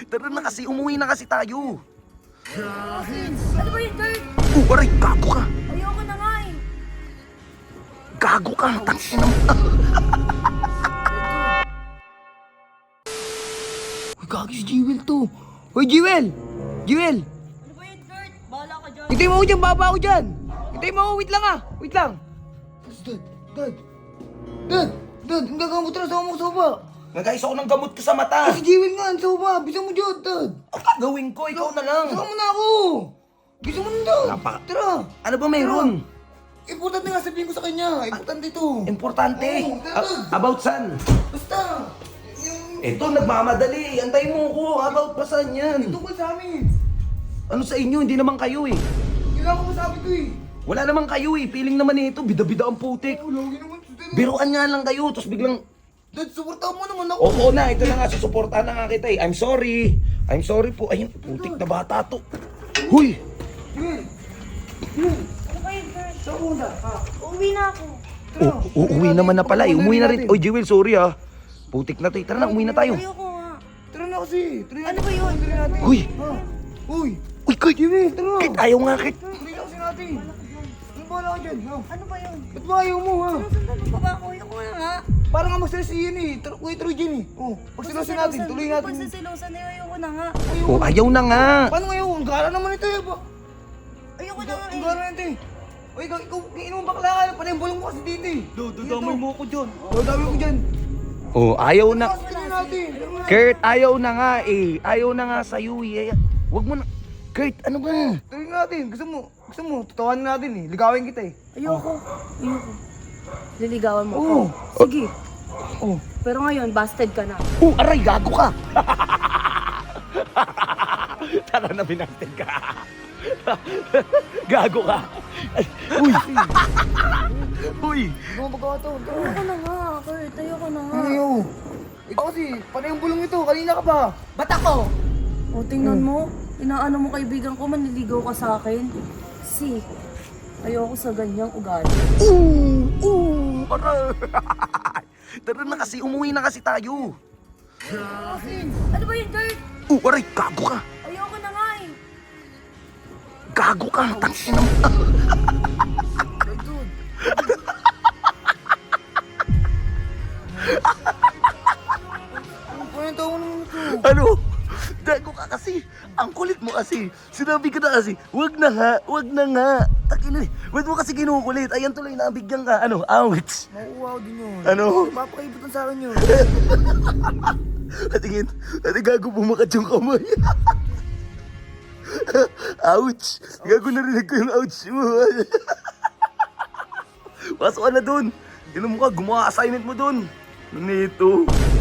Tara na kasi, umuwi na kasi tayo. Ano ba yun, Kurt? Aray, gago ka. Ayoko na nga eh. Gago ka. Tangin na mo. Uy, gago si Jewel to. Uy, Jewel! Jewel! Ano ba yun, Kurt? Bahala ka dyan. Hintay mo ako dyan, baba ako dyan. Hintay mo ako, wait lang ah. Wait lang. Dad, ang gagamot na sa mga soba. Nagkais ako ng gamot ko sa mata. Si Jewel nga, ang soba. Bisa mo dyan, Dad. Ang gagawin ko, ikaw na lang. Sama mo na ako. Bisa mo na, Dad. Tara. Ano ba mayroon? Importante nga sabihin ko sa kanya. Importante ito. Importante? About saan? Basta. Ito, nagmamadali. Antay mo ko. About pa saan yan? Ito ko sa amin. Ano sa inyo? Hindi naman kayo eh. Kailangan ko masabi ko eh. Wala naman kayo eh. Feeling naman ito. Bida-bida ang putik. Lagi naman. Biruan nga lang kayo. Tapos biglang... Dad, supportahan mo naman ako. Oo na. Ito na nga. Susuportahan na nga kita eh. I'm sorry. I'm sorry po. Ayun, putik na bata to. Huy! Jewel. Ano ba yun, Kurt? Saan mo na? Ha? Uuwi na ako. Uuwi naman na pala eh. Umuwi na rin. Oy, Jewel, sorry ah. Putik na to. Tara na, umuwi na tayo. Ayoko nga. Tara na kasi. Ano ba yun? Huy! Ha? Uy. Uy, Kurt! Jewel, tara. Kurt, ayaw nga, Kurt. Tuloy lang kasi natin. Ano ba wala ka dyan? Ha? Ano ba yun? Ba't ba ayaw mo ha? Sinusundan mo pa ba ako? Ayoko na nga. Parang nga mag-stress yun eh. Kuya Troy dyan eh. Oh, pagsilosin natin. Tuloy natin. Pagsisilosan na yun, ayoko na nga. Oh, ayaw na nga. Paano ngayon? Ang gara naman ito eh. Ayoko na nga Ang eh. gara na ito eh. Uy, ikaw, inom bakla ka. Panembulong mo kasi dito eh. Damay mo ko dyan. Dami ko dyan. Oh, ayaw na. Tingnan natin. Kurt, ayaw na nga eh. Ayaw na nga sa'yo eh. Wag mo na. Kurt, ano ba? Tuloy natin. Gusto mo, tutawan natin eh. Ligawin kita eh. Ayoko. Liligawan mo ako. Oo. Sige. Oh. Pero ngayon, busted ka na. Oh, aray, gago ka. Tara na, binasted ka. Gago ka. Ay, uy. Uy. Ano mo magawa to? Ayoko na nga, Kurt. Ayoko na nga. Ayaw. Ikaw kasi, panay yung bulong ito. Kanina ka pa. Ba't ako? O, tingnan mo. Inaano mo kaibigan ko, manliligaw ka sa akin. Si, ayoko sa ganyang ugali. Aray. Tara na kasi, umuwi na kasi tayo. Ano ba yun, Kurt? Aray, gago ka. Ayoko na nga eh. Gago ka. Tangin na mo. Ano tawa mo naman ito? Ano? Gago ka kasi. Ang kulit mo kasi. Sinabi ko na kasi, wag na nga, wag na nga. Takin na. Ba't mo kasi kinukulit? Ayan tuloy, nabigyan ka. Ano? Ouch. Mauuwaw din yun. Ano? Mapakaibutan sa akin yun. Patingin. Ate gago, bumakat yung kamay. Ouch. Gago, narinig ko yung ouch mo. Pasok ka na dun. Inom ka, gumawa assignment mo dun. Nito.